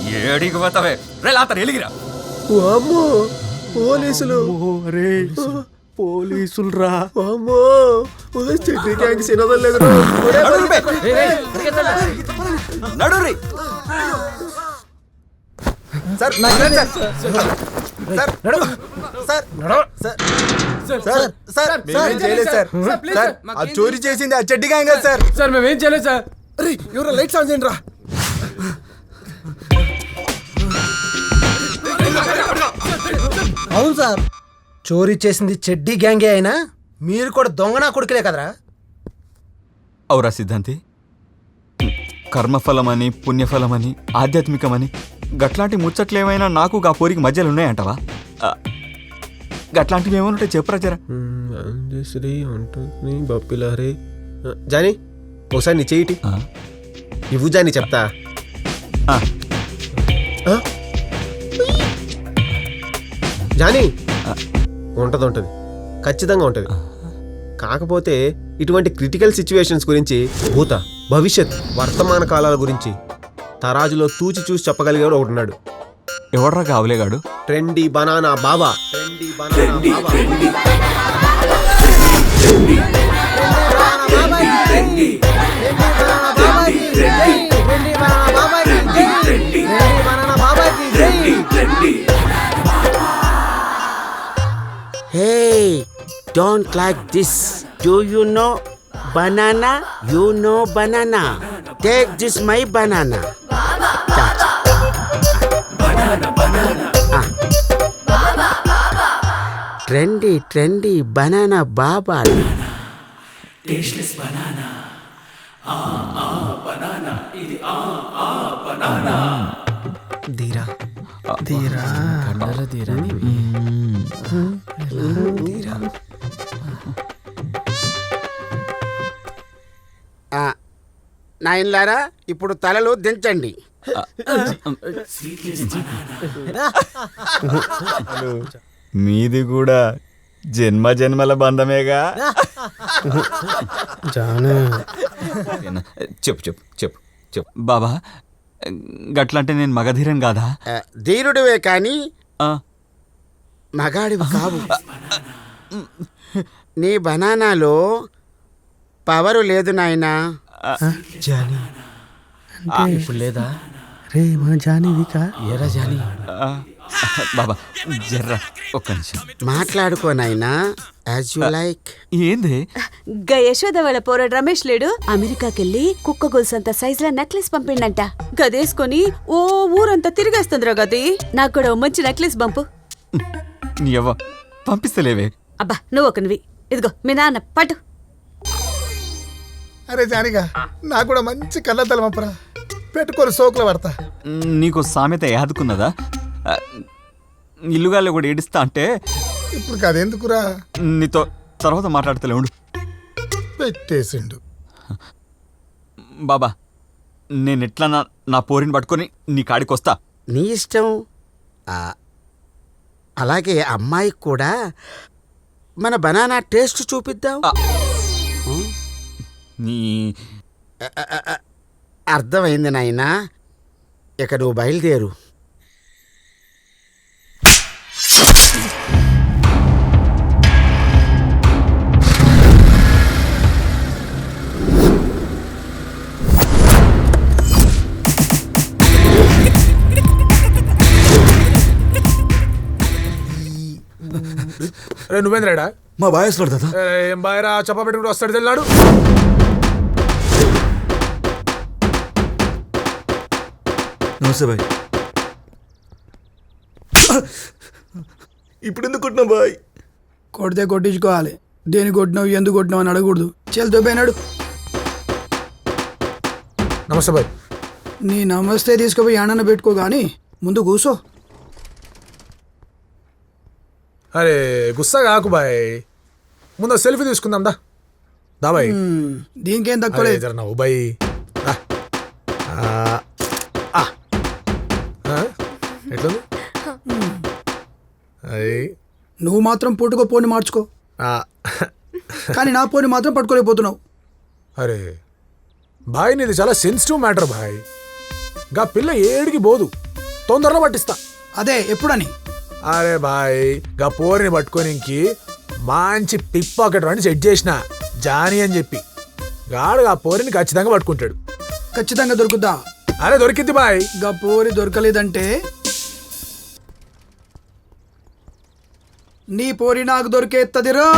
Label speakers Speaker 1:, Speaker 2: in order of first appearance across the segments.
Speaker 1: ఏడికి పోతావే రే లాత ఎలిగిరా.
Speaker 2: అమ్మో పోలీసులు.
Speaker 3: అరే పోలీసులు రా.
Speaker 2: అమ్మో చెట్టు గ్యాంగ్ సినదలేదు.
Speaker 1: నడురి
Speaker 2: సార్ మేమేం చేయలేదు సార్. సార్ ఆ చోరీ చేసింది ఆ చెడ్డి గ్యాంగ్ సార్.
Speaker 3: సార్ మేమేం చేయలేదు సార్.
Speaker 2: అరే ఎవరో లైట్స్ ఆన్ చేయండి రా.
Speaker 4: అవును సార్, చోరీ చేసింది చెడ్డీ గ్యాంగే అయినా మీరు కూడా దొంగనా కొడుకులే కదరా.
Speaker 1: అవురా సిద్ధాంతి, కర్మఫలమని పుణ్యఫలమని ఆధ్యాత్మికమని గట్లాంటి ముచ్చట్లేమైనా నాకు గా పోరికి మధ్యలో ఉన్నాయంటవా? గట్లాంటివి ఏమనుంటే చెప్పురా జరా.
Speaker 2: శ్రీ ఉంటుంది బప్పిలారే. జానీ ఒకసారి నీ చెయ్యిటి ఇవ్వు జానీ చెప్తా. జానీ ఉంటది ఖచ్చితంగా ఉంటది. కాకపోతే ఇటువంటి క్రిటికల్ సిచ్యువేషన్స్ గురించి భూత భవిష్యత్ వర్తమాన కాలాల గురించి తరాజులో తూచి చూసి చెప్పగలిగాడు ఒకటి ఉన్నాడు.
Speaker 1: ఎవడ్రా కావలేగాడు?
Speaker 2: ట్రెండీ బనానా బాబా.
Speaker 5: Hey, don't like this. Do you know banana? You know banana. Take this my banana. Trendy banana baba.
Speaker 6: Tasteless banana. Banana. Idi banana.
Speaker 4: ధీరా ధీరా
Speaker 3: కండల ధీరా
Speaker 4: ధీరా.
Speaker 5: నాయనలారా ఇప్పుడు తలలు దించండి.
Speaker 1: మీది కూడా జన్మ జన్మల బంధమేగా. చెప్పు చెప్పు చెప్పు చెప్పు బాబా, గట్లంటే నేను మగధీరం కాదా?
Speaker 5: ధీరుడివే కానీ మగాడివి కావు. నీ బనానాలో పవరు లేదు నాయనా.
Speaker 4: జానీ
Speaker 3: ఇప్పుడు లేదా?
Speaker 4: రే మన జానీవికా
Speaker 3: ఏరా జానీ.
Speaker 1: బాబా జర్రా ఒక్క నిమిషం
Speaker 5: మాట్లాడుకో నాయనా, యాజ్ యు లైక్.
Speaker 1: ఏంది?
Speaker 7: గా యశోద వాళ్ళ పోరాడు రమేష్ లేడు, అమెరికాకెళ్ళి కుక్క గొలుసంత సైజుల నెక్లెస్ పంపిండంట. గదేసుకొని ఓ ఊరంతా తిరిగేస్తుందిరా గది. నాకు కూడా ఓ మంచి నెక్లెస్ పంపు.
Speaker 1: నీ అవ్వ పంపిస్తలేవే.
Speaker 7: అబ్బా నువ్వు ఒకనివి. ఇదిగో మీ నాన్న పట్టు.
Speaker 8: అరే జానిగా నాకు కూడా మంచి కళ్ళతల పంపరా, పెట్టుకొని సోకులు పడతా.
Speaker 1: నీకు సామెత యాదుకున్నదా? ఇల్లుగాల్లో కూడా ఏడుస్తా అంటే
Speaker 8: ఇప్పుడు కదెందుకురా,
Speaker 1: నీతో తర్వాత మాట్లాడతలే ఉండు.
Speaker 8: పెట్టేసిండు.
Speaker 1: బాబా నేను ఎట్లా నా పోరిని పట్టుకొని నీ కాడికి వస్తా.
Speaker 5: నీ ఇష్టం. అలాగే అమ్మాయికి కూడా మన బనానా టేస్ట్ చూపిద్దాం.
Speaker 1: నీ
Speaker 5: అర్థమైంది నాయనా, ఇక నువ్వు బయలుదేరు.
Speaker 8: రే నువ్వేంద్రాడా?
Speaker 3: మా బాయస్ పడతా.
Speaker 8: ఏం బాయరా చెప్ప పెట్టుకుంటూ వస్తాడు తెల్లాడు.
Speaker 3: నమస్తే బాయ్. ఇప్పుడు ఎందుకు కొట్టినా బాయ్?
Speaker 9: కొడితే కొట్టించుకోవాలి. దేని కొట్టినావు ఎందుకు కొట్టినావు అని అడగకూడదు. చెల్తో పోయినాడు.
Speaker 8: నమస్తే బాయ్.
Speaker 9: నీ నమస్తే తీసుకుపోయి ఆనన్న పెట్టుకో కానీ ముందు కూసో.
Speaker 8: అరే గుస్సా కాకు బాయ్, ముందు సెల్ఫీ తీసుకుందాం దా. దా బాయ్.
Speaker 9: దీనికేం తక్కువ లేదు.
Speaker 8: నవ్వు బాయ్. ఎట్లుంది?
Speaker 9: నువ్వు మాత్రం పుట్టుకో పోని మార్చుకో, కానీ నా పోని మాత్రం పట్టుకోలేకపోతున్నావు.
Speaker 8: అరే బాయ్ నీది చాలా సెన్సిటివ్ మ్యాటర్ బాయ్. గా పిల్ల ఏడికి పోదు, తొందరలో పట్టిస్తా.
Speaker 9: అదే ఎప్పుడని?
Speaker 8: అరే బాయ్ గా పోరిని పట్టుకోనికి మంచి పిక్ పాకెట్ అని సెట్ చేసిన జానీ అని చెప్పి గాడు ఆ పోరిని ఖచ్చితంగా పట్టుకుంటాడు.
Speaker 9: ఖచ్చితంగా దొరుకుద్దా?
Speaker 8: అరే దొరికింది బాయ్.
Speaker 9: గా పోరి దొరకలేదంటే నీ పోరి నాకు దొరికేత్తదిరో.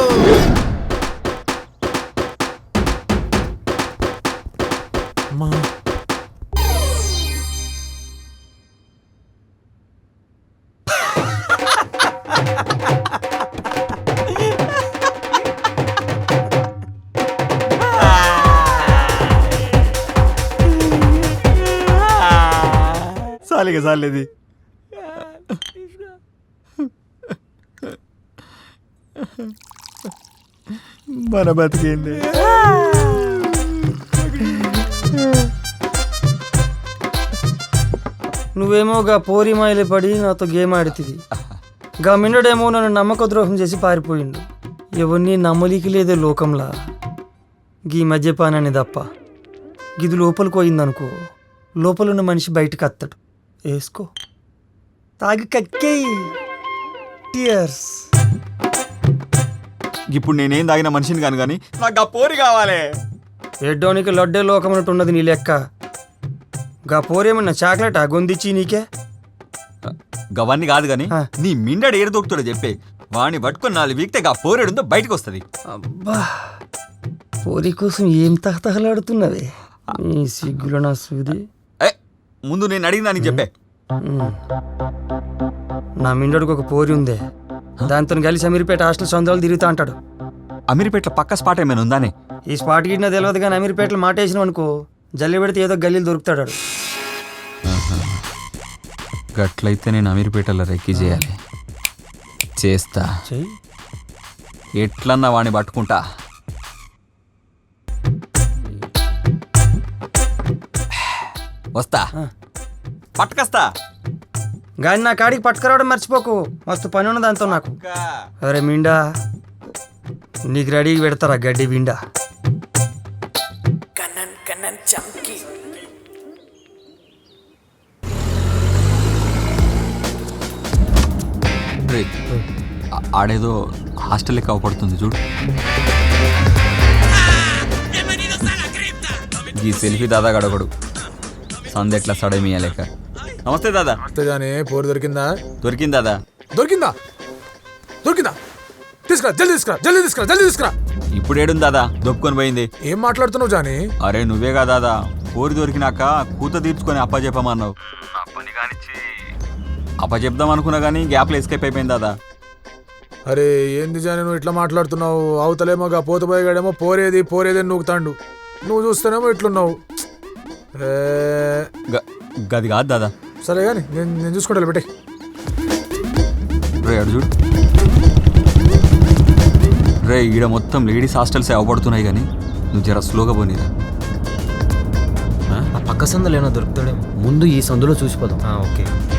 Speaker 1: చాలిగా చాలేది. మన బతికింది.
Speaker 10: నువ్వేమో గా పోరి మాయలే పడి నాతో గేమ్ ఆడుతుంది. గా మిన్నడేమో నన్ను నమ్మక ద్రోహం చేసి పారిపోయిండు. ఎవరిని నమ్మలికి లేదే లోకంలా. గీ మద్యపానాన్ని తప్ప గిది లోపలికి పోయిందనుకో, లోపలున్న మనిషి బయటకు అత్తడు. వేసుకో, తాగి కక్కేయి. టియర్స్.
Speaker 1: ఇప్పుడు నేనేం తాగిన మనిషిని కాను కానీ నాకు ఆ పోరి కావాలి.
Speaker 10: ఎడ్డోనికి లడ్డే లోకం అన్నట్టు ఉన్నది నీ లెక్క. గా పోరేమన్నా చాక్లెట్ గొందిచ్చి నీకే?
Speaker 1: గవన్నీ కాదు గాని
Speaker 10: ఆ.
Speaker 1: నీ మిండడు ఏడు దొరుకుతాడో చెప్పే. వాడిని పట్టుకుని 4 వీక్తే గా పోరేడుందో బయటకు వస్తుంది.
Speaker 10: అబ్బా, పోరి కోసం ఏం తహతహలాడుతున్నది నీ సిగ్గులో నా సూది.
Speaker 1: ముందు నేను అడిగిన దానికి చెప్పే.
Speaker 10: నా మిండోడికి ఒక పోరి ఉందే, దాంతో కలిసి అమీర్పేట హాస్టల్ సొందాలు తిరుగుతా అంటాడు.
Speaker 1: అమీర్పేటలో పక్క స్పాట్ ఏమైనా ఉందానే?
Speaker 10: ఈ స్పాట్ గిట్టినా తెలియదు కానీ అమీర్పేటలో మాట వేసినాం అనుకో, జల్లి పెడితే ఏదో గల్లీలు దొరుకుతాడు ఆడు.
Speaker 1: గట్లయితే నేను అమీర్పేటలో రెక్కి చేయాలి. చేస్తా.
Speaker 10: చెయ్యి.
Speaker 1: ఎట్లన్నా వాడిని పట్టుకుంటా. వస్తా, పట్టుకొస్తా.
Speaker 10: గాని నా కాడికి పట్టుకురావడం మర్చిపోకు, మస్తు పని ఉన్న దాంతో నాకు. అరే మిండా, నీకు రెడీకి పెడతారా గడ్డి బిండా?
Speaker 1: రే, ఆడేదో హాస్టల్ లెక్క అవపడుతుంది చూడు. ఈ సెల్ఫీ దాదా గడగడు సంద ఎట్లా సడమియా లెక్క. నమస్తే దాదా.
Speaker 8: అంతేగాని పోరు దొరికిందా?
Speaker 1: దొరికింది దాదా.
Speaker 8: దొరికిందా? దొరికిందా? తీసుకురా, జల్దీ తీసుకురా, జల్దీ తీసుకురా, జల్దీ తీసుకురా.
Speaker 1: ఇప్పుడు ఏడుంది దాదా? దొప్పుకొని పోయింది.
Speaker 8: ఏం మాట్లాడుతున్నావు జానీ?
Speaker 1: అరే నువ్వేగా దాదా పోరి దొరికినాక కూత తీర్చుకొని అప్పచెప్పమన్నావు. అప్పచెప్దాం అనుకున్నా కానీ గ్యాప్లో ఎస్కేప్ అయిపోయింది దాదా.
Speaker 8: అరే ఏంది జానీ నువ్వు ఇట్లా మాట్లాడుతున్నావు? అవతలేమో గా పోతపోయేగాడేమో పోరేది పోరేది అని నూకుతాండు, నువ్వు చూస్తేనేమో ఇట్లున్నావు.
Speaker 1: గది కాదు దాదా.
Speaker 8: సరే కానీ నేను చూసుకుంటా పెట్టే.
Speaker 1: రే అడు చూడు. రే ఈడ మొత్తం లేడీస్ హాస్టల్స్ అవపడుతున్నాయి కానీ నువ్వు జర స్లోగా పోనీరా.
Speaker 11: ఆ పక్క సందులో ఏమో దొరుకుతాడేమో, ముందు ఈ సందులో చూసిపోదాం. ఓకే.